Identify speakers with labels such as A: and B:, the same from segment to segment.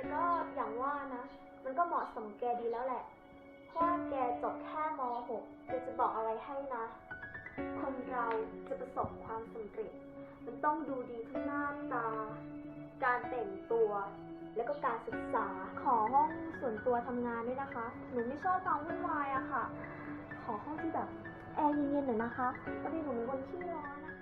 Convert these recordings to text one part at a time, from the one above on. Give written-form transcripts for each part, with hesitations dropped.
A: แต่ก็อย่างว่านะ มันก็เหมาะสมแกดีแล้วแหละ เพราะว่าแกจบแค่ม .6 จะบอกอะไรให้นะ คนเราจะประสบความสำเร็จมันต้องดูดีทั้งหน้าตา การแต่งตัว แล้วก็การศึกษา ขอห้องส่วนตัวทำงานด้วยนะคะ หนูไม่ชอบความวุ่นวายอะค่ะ ขอห้องที่แบบแอร์เย็นๆหน่อยนะคะพอดีหนูเป็นคนขี้ร้อนนะคะ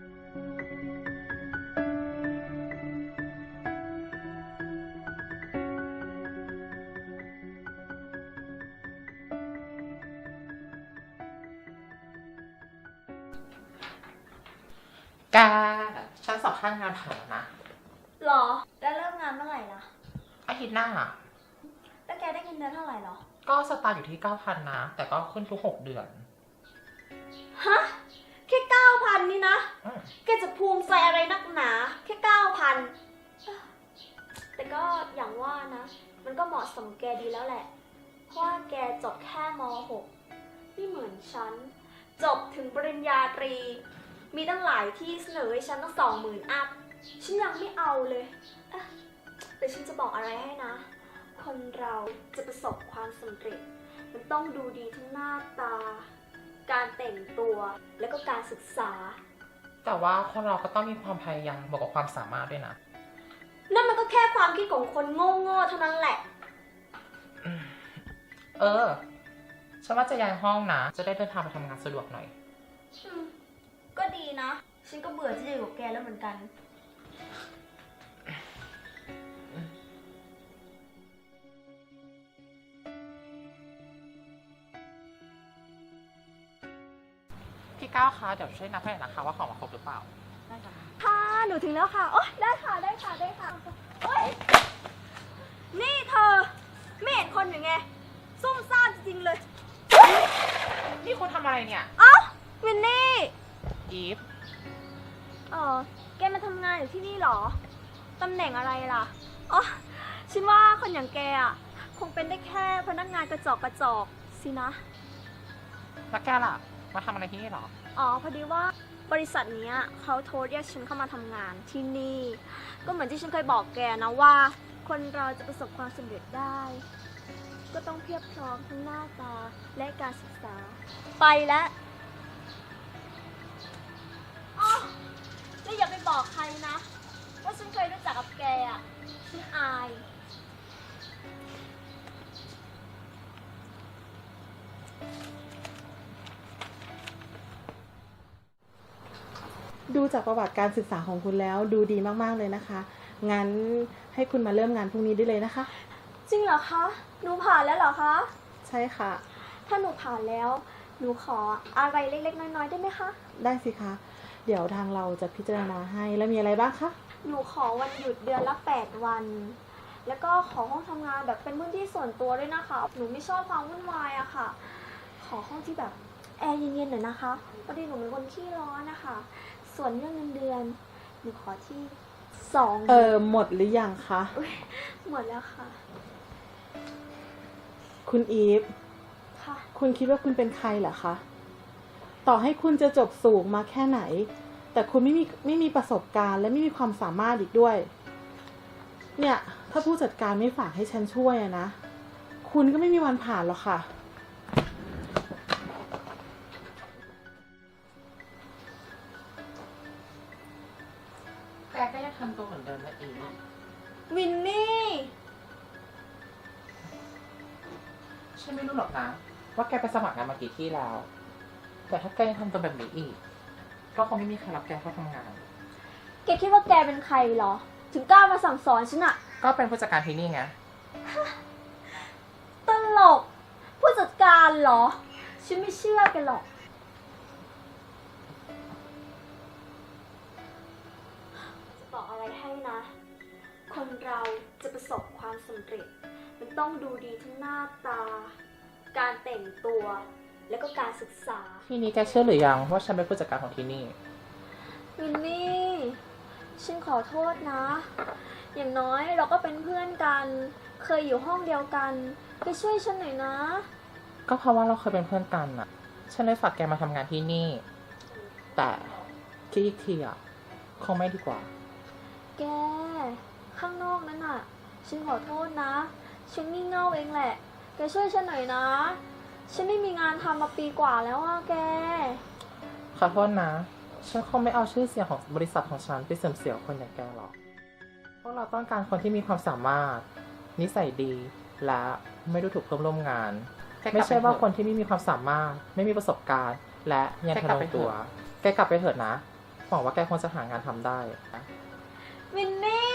B: แกฉันสอบข้างงานผ่านแล้วนะ
A: หรอ แล้วเริ่มงานเมื่อไหร่ล่ะ
B: อาทิตย์หน้า
A: แล้วแกได้เงินเดือนเท่าไหร่หรอ
B: ก็สตาร์ทอยู่ที่ 9,000 นะ แต่ก็ขึ้นทุก 6 เดือน
A: ฮะ แค่ 9,000 นี่นะ แกจะภูมิใจอะไรนักหนา แค่ 9,000 แต่ก็อย่างว่านะ มันก็เหมาะสมแกดีแล้วแหละ เพราะว่าแกจบแค่ม .6 ไม่เหมือนฉัน จบถึงปริญญาตรี มีตั้งหลายที่เสนอให้ฉันตั้ง20,000 อัพ ฉันยังไม่เอาเลยแต่ฉันจะบอกอะไรให้นะ คนเราจะประสบความสำเร็จ มันต้องดูดีทั้งหน้าตา การแต่งตัว แล้วก็การศึกษา
B: แต่ว่าคนเราก็ต้องมีความพยายามบวกกับความสามารถด้วยนะ
A: นั่นมันก็แค่ความคิดของคนโง่ๆเท่านั้นแหละ
B: ฉันว่าจะย้ายห้องนะ จะได้เดินทางไปทำงานสะดวกหน่อย
A: ก็ดีนะ ฉันก็เบื่อที่จะอยู่กับแกแล้วเหมือนกัน
B: พี่ก้าวคะ เดี๋ยวช่วยนับให้หน่อยนะคะว่าของมาครบหรือเปล่า
A: ได้ค่ะ ค่ะ หนูถึงแล้วค่ะ โอ๊ยได้ค่ะ ได้ค่ะ ได้ค่ะ โอ๊ย นี่เธอ ไม่เห็นคนอยู่ไง ซุ่มซ่ามจริงๆเลย
B: นี่คุณทำอะไรเนี่ย
A: เอ้า วินนี่
B: อีฟ
A: แกมาทำงานอยู่ที่นี่เหรอ ตำแหน่งอะไรล่ะ อ๋อ ฉันว่าคนอย่างแกอ่ะ คงเป็นได้แค่พนักงานกระจอกสินะ
B: แล้วแกล่ะ มาทำอะไรที่นี่หรอ
A: พอดีว่าบริษัทเนี้ยเขาโทรเรียกฉันเข้ามาทำงานที่นี่ ก็เหมือนที่ฉันเคยบอกแกนะว่า คนเราจะประสบความสำเร็จได้ ก็ต้องเพียบพร้อมทั้งหน้าตาและการศึกษา ไปแล้วอ๋อแล้วอย่าไปบอกใครนะ ว่าฉันเคยรู้จักกับแกอ่ะ ฉันอาย
C: ดูจากประวัติการศึกษาของคุณแล้วดูดีมากๆเลยนะคะ งั้นให้คุณมาเริ่มงานพรุ่งนี้ได้เลยนะคะ
A: จริงเหรอคะ หนูผ่านแล้วเหรอคะ
C: ใช่ค่ะ
A: ถ้าหนูผ่านแล้ว หนูขออะไรเล็กๆน้อยๆได้ไหมคะ
C: ได้สิคะ เดี๋ยวทางเราจะพิจารณาให้ แล้วมีอะไรบ้างคะ
A: หนูขอวันหยุดเดือนละ8 วัน แล้วก็ขอห้องทำงานแบบเป็นพื้นที่ส่วนตัวด้วยนะคะ หนูไม่ชอบความวุ่นวายอะค่ะ ขอห้องที่แบบแอร์เย็นๆหน่อยนะคะพอดีหนูเป็นคนขี้ร้อนนะคะ ส่วนเรื่องเงินเดือน หนูขอที่2
C: หมดหรือยังคะ
A: หมดแล้วค่ะ
C: คุณอีฟ
A: ค่ะ
C: คุณคิดว่าคุณเป็นใครเหรอคะ ต่อให้คุณจะจบสูงมาแค่ไหน แต่คุณไม่มีประสบการณ์และไม่มีความสามารถอีกด้วย เนี่ย ถ้าผู้จัดการไม่ฝากให้ฉันช่วยอะนะ คุณก็ไม่มีวันผ่านหรอกค่ะ
B: แกก็ยังทำตัวเหมือนเดิมนะอีฟ
A: วินนี่
B: ฉันไม่รู้หรอกนะ ว่าแกไปสมัครงานมากี่ที่แล้ว แต่ถ้าแกยังทำตัวแบบนี้อีก ก็คงไม่มีใครรับแกเข้าทำงาน
A: แกคิดว่าแกเป็นใครเหรอ ถึงกล้ามาสั่งสอนฉันอะ
B: ก็เป็นผู้จัดการที่นี่ไง
A: ตลก ผู้จัดการเหรอ ฉันไม่เชื่อแกหรอก จะบอกอะไรให้นะ คนเราจะประสบความสำเร็จ มันต้องดูดีทั้งหน้าตา การแต่งตัว แล้วก็การศึกษา
B: ทีนี้แกเชื่อหรือยังว่าฉันเป็นผู้จัดการของที่นี่
A: วินนี่ ฉันขอโทษนะ อย่างน้อยเราก็เป็นเพื่อนกัน เคยอยู่ห้องเดียวกันแกช่วยฉันหน่อยนะ
B: ก็เพราะว่าเราเคยเป็นเพื่อนกันน่ะ ฉันเลยฝากแกมาทำงานที่นี่ แต่คิดอีกทีอ่ะ คงไม่ดีกว่า
A: แก ข้างนอกนั้นน่ะฉันขอโทษนะ ฉันงี่เง่าเองแหละ แกช่วยฉันหน่อยนะ ฉันไม่มีงานทำมาปีกว่าแล้วอะแก
B: ขอโทษนะ ฉันคงไม่เอาชื่อเสียงของบริษัทของฉันไปเสื่อมเสียคนอย่างแกหรอกพวกเราต้องการคนที่มีความสามารถ นิสัยดี และไม่ดูถูกเพื่อนร่วมงาน ไม่ใช่ว่าคนที่ไม่มีความสามารถ ไม่มีประสบการณ์ และยังทะนงตัว แกกลับไปเถอะนะ หวังว่าแกคงจะหางานทำได้
A: มินนี่